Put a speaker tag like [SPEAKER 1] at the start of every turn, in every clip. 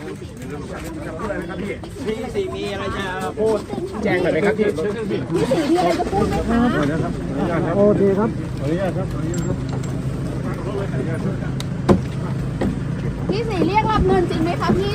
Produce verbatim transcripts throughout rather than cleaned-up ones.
[SPEAKER 1] พี่สี่มีอะไรจะพูดแจ้งหน่อยไหมครับพี่
[SPEAKER 2] พี่สี่มีอะไรจะพูดไหมคะ
[SPEAKER 3] โอเคครับขออนุญาตครับขออนุญาตครับ
[SPEAKER 2] พี่สี่เรียกรับเงินจริงไหมคะพี่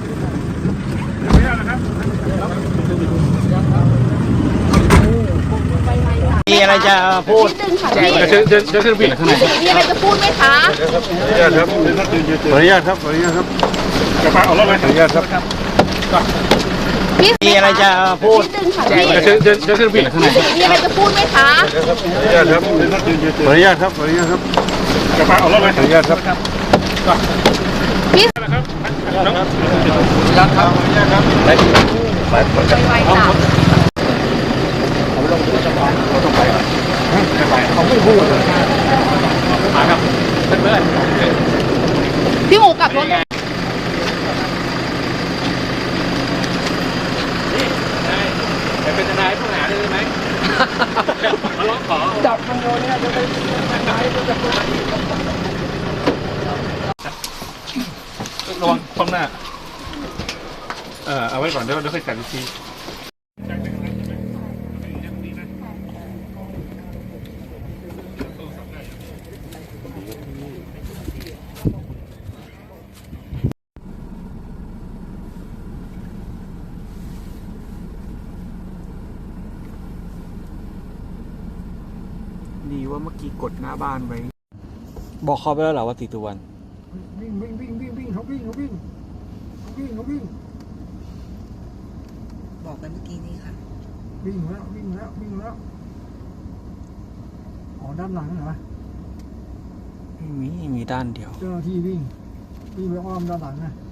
[SPEAKER 1] มีอะไรจะพูด
[SPEAKER 2] นิดนึงค่ะ
[SPEAKER 1] แจ้ง
[SPEAKER 2] พี่
[SPEAKER 3] เชิญเชิญเชิญขึ้นพี่ข้างใน
[SPEAKER 2] พี่สี่มีอะไรจะพูดไหมคะ
[SPEAKER 3] ขออนุญาตครับขออนุญาตครับขออนุญาตครับจะพาออกรถไหมขออนุญาตครับ
[SPEAKER 2] พี่
[SPEAKER 1] มีอะไรจะพูด
[SPEAKER 2] นิดนึงค่ะ
[SPEAKER 1] แจ้ง
[SPEAKER 2] พี่
[SPEAKER 3] เชิญเชิญเชิญขึ้นพี่ข้างใน
[SPEAKER 2] พี่สี่มีอะไรจะพูดไหมคะ
[SPEAKER 3] ขออนุญาตครับขออนุญาตครับขออนุญาตครับจะพาออกรถไหมขออนุญาตครับ
[SPEAKER 2] พี่
[SPEAKER 3] ครับครับขออนุญาตครับไปไปไป
[SPEAKER 2] ไวๆจ้ะ
[SPEAKER 3] เขาไม่พูดเลยมาครับเพื่อน
[SPEAKER 2] พี่หมูกลับรถเลย
[SPEAKER 3] ไปเป็นทนายผู้หาได้ไหมมาร้องขอจับมันโยนเนี่ยจะไปทนายจะระวังคว่ำหน้าเออเอาไว้ก่อนเดี๋ยวเดี๋ยวค่อยจัดอีกที
[SPEAKER 1] ดีว่าเมื่อกี้กดหน้าบ้านไว้บอกเขาไปแล้วเหรอว่าติดตุวัน
[SPEAKER 3] วิ่งวิ่งวิ่งวิ่งวิ่งเขาวิ่งเขาวิ่งเขาวิ่งเขาวิ่ง
[SPEAKER 4] บอกไปเมื่อกี้นี้ค่ะ
[SPEAKER 3] วิ่งแล้ววิ่งแล้ววิ่งแล้วอ๋อด้านหลังเหรอ
[SPEAKER 1] ไม่มีมีด้านเดียว
[SPEAKER 3] เจ้าหน้าที่วิ่งวิ่งไปอ้อมด้านหลังนะ